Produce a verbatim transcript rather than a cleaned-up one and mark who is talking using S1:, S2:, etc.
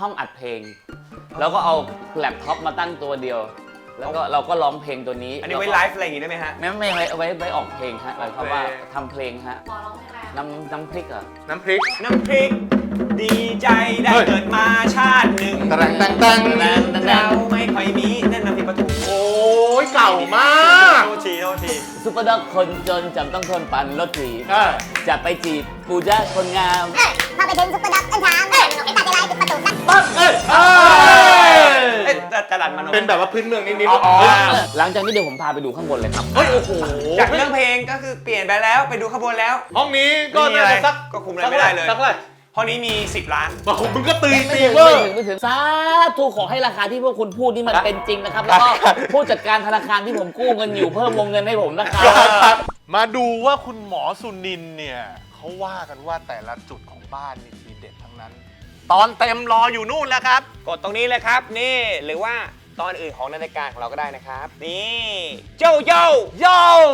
S1: ห้องอัดเพลงแล้วก็เอาแล็ปท็อปมาตั้งตัวเดียวแล้วก็เราก็ร้องเพลงตัวนี้
S2: อันนี้ไว้ไลฟ์อะไรอย่างงี้ได้ไหมฮะ
S1: ไม่ไม่ไว้ไว้ไว้ออกเพลงฮะหมายความว่าทำเพลงฮะ
S3: หมอร้องเพลงอะไร
S1: น้ำน้ำพริกอ่ะ
S4: น้ำพริก
S2: น้ำพริก ดีใจได้เกิดมาชาติหนึ่ง
S4: ตะรังตังตัง
S2: เราไม่ค่อยมีนั่นน้ำพริกปลาทู
S4: โอ้ยเก่ามาก
S2: โทษทีโทษที
S1: ซุปเปอร์ด็อกคนจนจำต้องทนปั่นรถถีบ
S4: เออ
S1: จะไปจีบปูจ้าคนงาม
S5: เอ้ยพอไปถึงซุปเปอร์ด็อกต้นทางเอ้ยไอ้ตาใจร้ายปิดประตูซะ
S4: ปั๊บเอ้ยเอ้ย
S2: เอ๊ะจะจะรันมัน
S4: เป็นแบบว่าพื้นเมืองนิด
S2: อ๋อ
S4: ๆ
S1: หลังจากนี้เดี๋ยวผมพาไปดูข้างบนเลยครับ
S4: เฮ้ยโอ้โห
S2: จากเรื่องเพลงก็คือเปลี่ยนไปแล้วไปดูขบวนแล้ว
S4: ห้องนี้ก็
S2: ไม่มี
S4: น่า
S2: อะไร
S4: จะสัก
S2: ก็คุมอะไรไม่ได้เลย
S4: สักเท่าไหร่
S2: ห้องนี้มีสิบล้าน
S4: โอ้โหมึงก็ตี
S1: ไม่
S4: ตี
S1: ถึง
S4: เวอ
S1: ไม่
S4: ร์
S1: ถึงไม่ถึงสาธุขอให้ราคาที่พวกคุณพูดนี่มันเป็นจริงนะครับ แล้วก็ผู้จัดการธนาคารที่ผมกู้เงินอยู่เพิ่มวงเงินให้ผมนะครับ
S4: มาดูว่าคุณหมอสุนินเนี่ยเขาว่ากันว่าแต่ละจุดของบ้านนี่ทีเด็ดทั้งนั้น ตอนเต็มรออยู่นู่นแล้วครับ
S2: กดตรงนี้เลยครับนี่หรือว่าตอนอื่นของรายการของเราก็ได้นะครับ นี่โยโย่
S4: โย่